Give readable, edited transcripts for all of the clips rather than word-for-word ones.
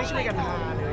ไม่ช่วยกันหาเลย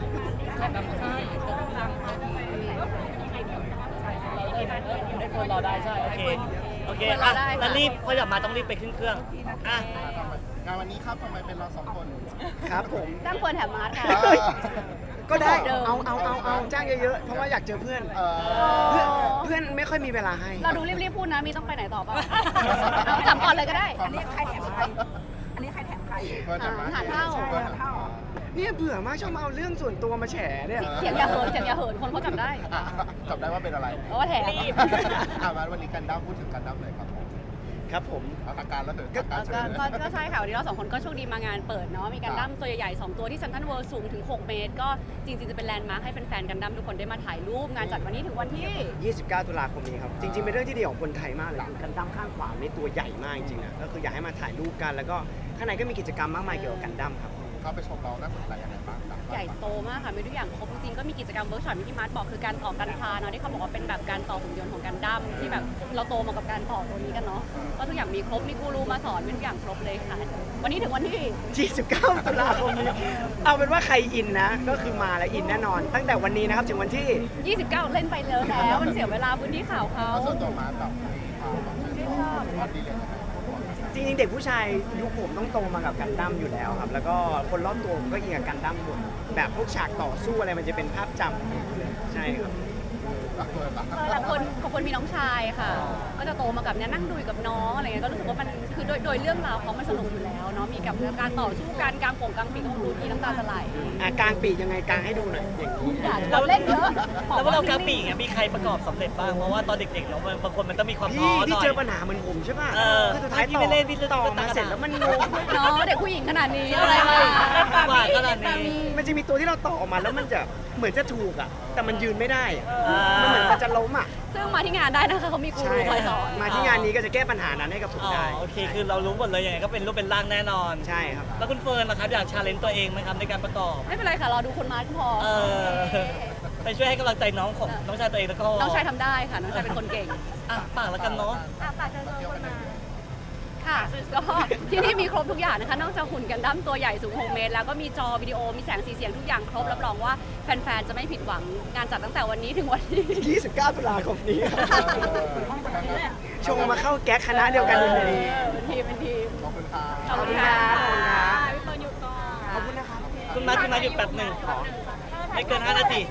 ให้คนรอได้ใช่โอเคโอเคอ่ะแล้วรีบเขาอยากมาต้องรีบไปขึ้นเครื่องอ่ะงานวันนี้ครับทำไมเป็นเราสองคนครับผมจ้างควรแถมมาร์ทค่ะก็ได้เดิมเอาจ้างเยอะๆเพราะว่าอยากเจอเพื่อน เพื่อนไม่ค่อยมีเวลาให้เราดูรีบๆพูดนะมีต้องไปไหนต่อเปล่าเอาถามก่อนเลยก็ได้อันนี้ใครแถมใครเพื่อนแถมใครหาเท่าเพื่อนแถมเท่าเนี่ยเบื่อมากชอบมาเอาเรื่องส่วนตัวมาแฉเนี่ยเสียงอย่าเหินเสียงอย่าเหินคนเขาจำได้จับได้ว่าเป็นอะไรเพราะว่าแถมมาวันนี้กันดั้มพูดถึงกันดั้มเลยครับผมครับผมเอาทางการแล้วเถอะทางการเชิญเลยก็ใช่ค่ะวันนี้เราสองคนก็โชคดีมางานเปิดเนาะมีกันดั้มตัวใหญ่ๆ2ตัวที่เซ็นทรัลเวิลด์สูงถึง6 เมตรก็จริงๆจะเป็นแลนด์มาร์คให้แฟนๆกันดั้มทุกคนได้มาถ่ายรูปงานจัดวันนี้ถึงวันที่ 29 ตุลาคมนี้ครับ จริงๆ เป็นเรื่องที่ดีของคนไทยมากเลยคือกันดั้มข้างขวาในตัวใหญ่มากจริงๆนะก็คืออยากให้มาถ่ายรูปกัน แล้วก็ข้างในก็มีกิจกรรมมากมายเกี่ยวกับกันดั้มครับเข้าไปชมเราน่าสนใจยังไงบ้างครับใหญ่โตมากค่ะมีทุกอย่างครบจริงๆก็มีกิจกรรมเวิร์กช็อปที่มาร์ทบอกคือการต่อกันพาเนาะที่เขาบอกว่าเป็นแบบการต่อหุ่นยนต์ของกันดั้มที่แบบเราโตมากับการต่อตัวนี้กันเนาะก็ทุกอย่างมีครบมีกูรูมาสอนมีทุกอย่างครบเลยค่ะวันนี้ถึงวันที่ 29 ตุลาคมนี้ เอาเป็นว่าใครอินนะ ก็คือมาแล้วอินแน่นอน ตั้งแต่วันนี้นะครับ ถึงวันที่ 29 เล่นไปแล้วมันเสียเวลาพื้นที่ข่าวเขาแล้วส่วนตัวมาแบบชื่นชอบวัดดีเลยจริงๆ เด็กผู้ชายยุคผมต้องโตมากับกันดั้มอยู่แล้วครับ แล้วก็คนรอบตัวผมก็อินกับกันดั้มหมด แบบพวกฉากต่อสู้อะไรมันจะเป็นภาพจำใช่ครับแต่คนมีน้องชายค่ะ ก็จะโตมากับเนี่ยนั่งดูอยู่กับน้องอะไรเงี้ยก็รู้สึกว่ามันคือโดยเรื่องราวเขามันสนุกอยู่แล้วเนาะมีกับการต่อสู้การกลางโป่งกลางปีกเขาดูทีน้ำตาจะไหลกลางปีกยังไงกลางให้ดูหน่อยอย่างนี้เราเล่นเยอะแล้วว่าเรากราปีอย่างเงี้ยมีใครประกอบสำเร็จบ้างเพราะว่าตอนเด็กๆเราบางคนมันต้องมีความท้อหพี่น่อยเจอปัญหาเหมือนผมใช่ป่ะ คือสุดท้ายพี่ไม่เล่นพี่ต่อมาเสร็จแล้วมันงงเนาะเด็กผู้หญิงขนาดนี้อะไรมาว่าขนาดนี้มันจะมีตัวที่เราต่อออกมาแล้วมันจะเหมือนจะถูกอ่ะ แต่มันยืนไม่ได้อะอ่ามัมันเหมือนมันจะล้มอ่ะซึ่งมาที่งานได้นะคะเขามีกูใช่รูคอยสอนมาที่งานนี้ก็จะแก้ปัญหานั้นให้กับผมอ๋อได้โอเคคือเรารู้หมดเลยยังไงก็เป็นรูปเป็นร่างแน่นอนใช่ครับแล้วคุณเฟิร์นล่ะครับอยากชาเลนจ์ตัวเองไหมครับในการประกอบไม่เป็นไรค่ะรอดูคนมาพอเออไปช่วยให้กำลังใจน้องของน้องชายตัวเองแล้วก็น้องชายทำได้ค่ะน้องชายเป็นคนเก่งอ่ะปากแล้วกันเนาะปากจะโดนคนมาค่ะก็ที่นี่มีครบทุกอย่างนะคะ นอกจากหุ่นกันดั้มตัวใหญ่สูง6 เมตร แล้วก็มีจอวิดีโอมีแสงสีเสียงทุกอย่างครบรับรองว่าแฟนๆจะไม่ผิดหวังงานจัดตั้งแต่วันนี้ถึงวันที่ 29 ตุลาคมนี้ครับชงมาเข้าแก๊กคณะเดียวกันเลยเป็นทีมขอบคุณครับขอบคุณค่ะขอบคุณครับพี่เฟิร์นอยู่ก่อนขอบคุณนะครับคุณมาหยุดแป๊บหนึ่งไม่เกิน5 นาที